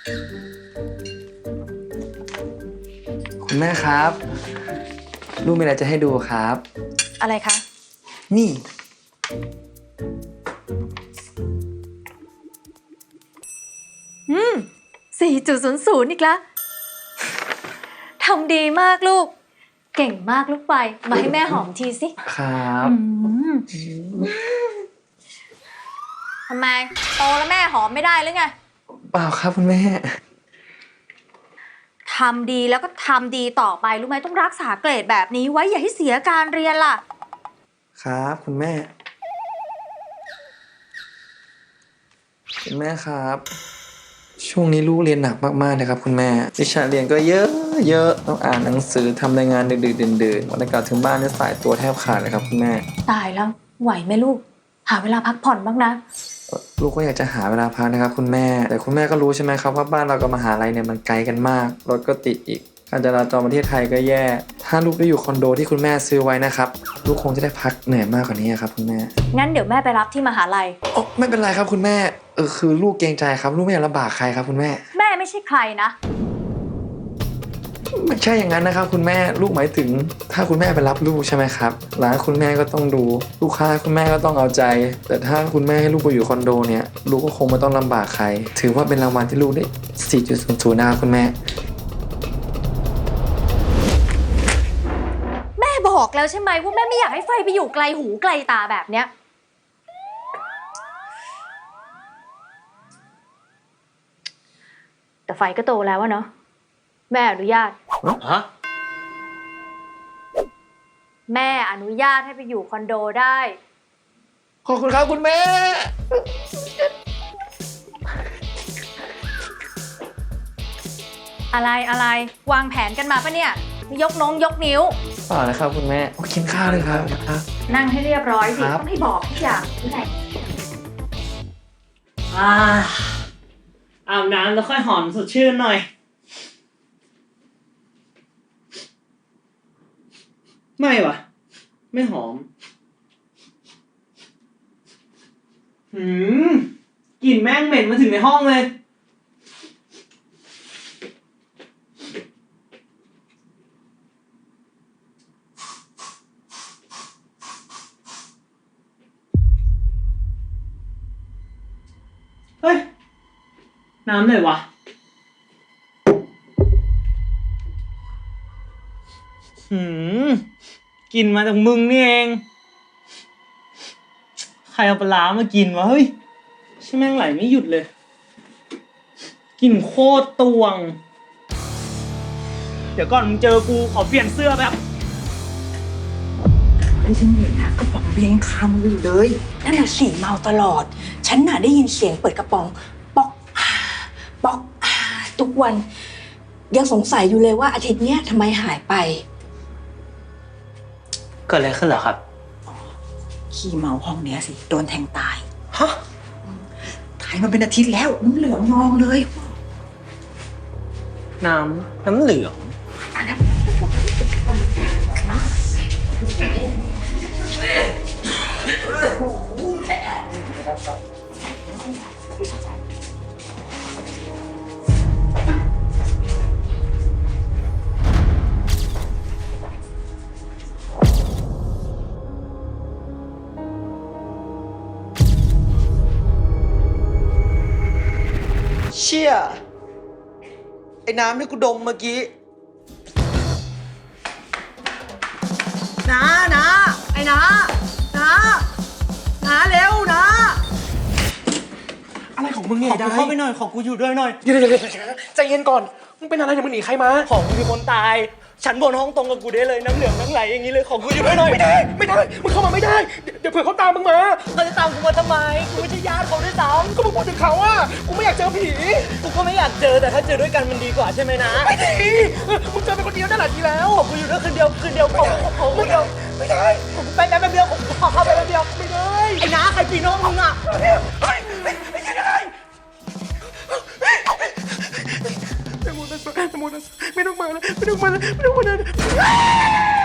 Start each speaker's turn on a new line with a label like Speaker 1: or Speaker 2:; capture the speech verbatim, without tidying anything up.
Speaker 1: คุณแม่ครับลูกมีอะไรจะให้ดูครับ
Speaker 2: อะไรคะ
Speaker 1: นี่
Speaker 2: อืม สี่จุดศูนย์ศูนย์ อีกแล้วทำดีมากลูก เก่งมากลูกไป มาให้แม่หอมทีสิ
Speaker 1: ครับ
Speaker 2: อืมทำไม โตแล้วแม่หอมไม่ได้หรือไง
Speaker 1: เปล่าครับคุณแม่
Speaker 2: ทำดีแล้วก็ทำดีต่อไปรู้ไหมต้องรักษาเกรดแบบนี้ไว้อย่าให้เสียการเรียนล่ะ
Speaker 1: ครับคุณแม่ คุณแม่ครับ ช่วงนี้ลูกเรียนหนักมากๆเลยครับคุณแม่วิชาเรียนก็เยอะเยอะต้องอ่านหนังสือทำรายงานดึกๆดื่นๆวันกลับถึงบ้านเนี่ยสายตัวแทบขาดเลยครับคุณแม่
Speaker 2: ตายแล้วไหวไหมลูก หาเวลาพักผ่อนบ้างนะ
Speaker 1: ลูกก็อยากจะหาเวลาพักนะครับคุณแม่แต่คุณแม่ก็รู้ใช่ไหมครับว่าบ้านเรากับมหาลัยเนี่ยมันไกลกันมากรถก็ติดอีกการจราจรประเทศไทยก็แย่ถ้าลูกได้อยู่คอนโดที่คุณแม่ซื้อไว้นะครับลูกคงจะได้พักเหนื่อยมากกว่านี้ครับคุณแม่
Speaker 2: งั้นเดี๋ยวแม่ไปรับที่มหาลัย
Speaker 1: โอ้ไม่เป็นไรครับคุณแม่เออคือลูกเกรงใจครับลูกไม่อยากลำบากใครครับคุณแม่
Speaker 2: แม่ไม่ใช่ใครนะ
Speaker 1: ไม่ใช่อย่างนั้นนะครับคุณแม่ลูกหมายถึงถ้าคุณแม่ไปรับลูกใช่ไหมครับร้านคุณแม่ก็ต้องดูลูกค้าคุณแม่ก็ต้องเอาใจ แต่ถ้าคุณแม่ให้ลูกไปอยู่คอนโดเนี่ยลูกก็คงไม่ต้องลำบากใคร ถือว่าเป็นรางวัลที่ลูกได้ สี่จุดศูนย์ศูนย์ นะครับคุณแม่
Speaker 2: แม่บอกแล้วใช่ไหมว่าแม่ไม่อยากให้ไฟไปอยู่ไกลหูไกลตาแบบเนี้ย แต่ไฟก็โตแล้วอะเนาะแม่อนุญาต
Speaker 3: ฮะ
Speaker 2: แม่อนุญาตให้ไปอยู่คอนโดได้
Speaker 1: ขอบคุณครับคุณแม่
Speaker 2: อะไรอะไรวางแผนกันมาปะเนี่ย ยกน้องยกนิ้ว
Speaker 1: ต่อนะครับคุณแม่โอ้กินข้าวเลยครับครับ
Speaker 2: นั่งให้เรียบร้อยสิ
Speaker 1: ครับ
Speaker 2: ต้องให้บอกทุกอย่างที่ไหน
Speaker 3: อ่าอาบน้ำแล้วค่อยหอมสดชื่นหน่อย ไม่วะไม่หอม หืมกลิ่นแม่งเหม็นมาถึงในห้องเลย เฮ้ย น้ำไหนวะ หืมกลิ่นมาจากมึงนี่เอง ใครเอาปลาร้ามากินวะเฮ้ยใช่แม่งไหลไม่หยุดเลยกลิ่นโคตรตวง เดี๋ยวก่อนมึงเจอกูขอเปลี่ยนเสื้อแบบ
Speaker 4: ไม่ฉันเห็นนะกระป๋องเบียร์ยังคามืออยู่เลยนั่นน่ะสีเมาตลอด ฉันน่ะได้ยินเสียงเปิดกระป๋องป๊อกอาป๊อกอาทุกวัน ยังสงสัยอยู่เลยว่าอาทิตย์เนี้ยทำไมหายไป
Speaker 3: เกิดอะไรขึ้นเหรอครับ
Speaker 4: ขี้เมาห้องเนี้ยสิโดนแทงตาย
Speaker 3: ฮะ
Speaker 4: ตายมาเป็นอาทิตย์แล้วน้ำเหลืองนองเลย
Speaker 3: น้ำน้ำเหลือง
Speaker 1: เชี่ยไอ้น้ำที่กูดมเมื่อกี้
Speaker 4: นะนะไอ้นะนะนะเร็วนะ
Speaker 5: อะไรของมึงเนี่
Speaker 3: ข
Speaker 5: ย
Speaker 3: อ
Speaker 5: ได้
Speaker 3: กูเข้าไปหน่อย ขอกูอยู่ด้วยหน่อย
Speaker 5: เดี๋ยวเดี๋ยวเดี๋ยวใจเย็นก่อน มึงเป็นอะไรเนี่ยมึงหนีใครมา
Speaker 3: ของกูมีคนตาย ฉันบนห้องตรงกับกูได้เลยน้ำเหลืองน้ำไหลอย่างนี้เลย ขอกูอยู่ด้วยหน่อย
Speaker 5: ไม่ได้ ไม่ได้ มึงเข้ามาไม่ได้ เดี๋ยวเดี๋ยวเผื่อเขาตามมึงมา
Speaker 3: เขาจะตามกูมาทำไม กูไม่ใช่ญาติเขาด้วยซ้
Speaker 5: ก็มึงพูดถึงเขาอ่ะ กูไม่อยากเจอผี
Speaker 3: ำกูก็ไม่อยากเจอแต่ถ้าเจอด้วยกันมันดีกว่าใช่ไหมนะ
Speaker 5: ไม่ดีเออมึงเจอเป็นคนเดียวนั่นแหละดีแล้ว
Speaker 3: ขอกูอยู่ด้วยคืนเดียวคืนเดียวขอขอคืนเดียว
Speaker 5: ไม่ได้
Speaker 3: ไปแป๊บเดียวขอเข้าไปแป๊บเดียว
Speaker 5: ไม่ได้
Speaker 3: ไอ้น้าใครปีน้องมึงอ่ะ
Speaker 5: เฮ้ยเฮ้ยเฮ้ยไม่ใช่ได้ไม่ต้องมาแล้วไม่ต้องมาแล้วไม่ต้องมาแล้วไม่ต้องมาแล้ว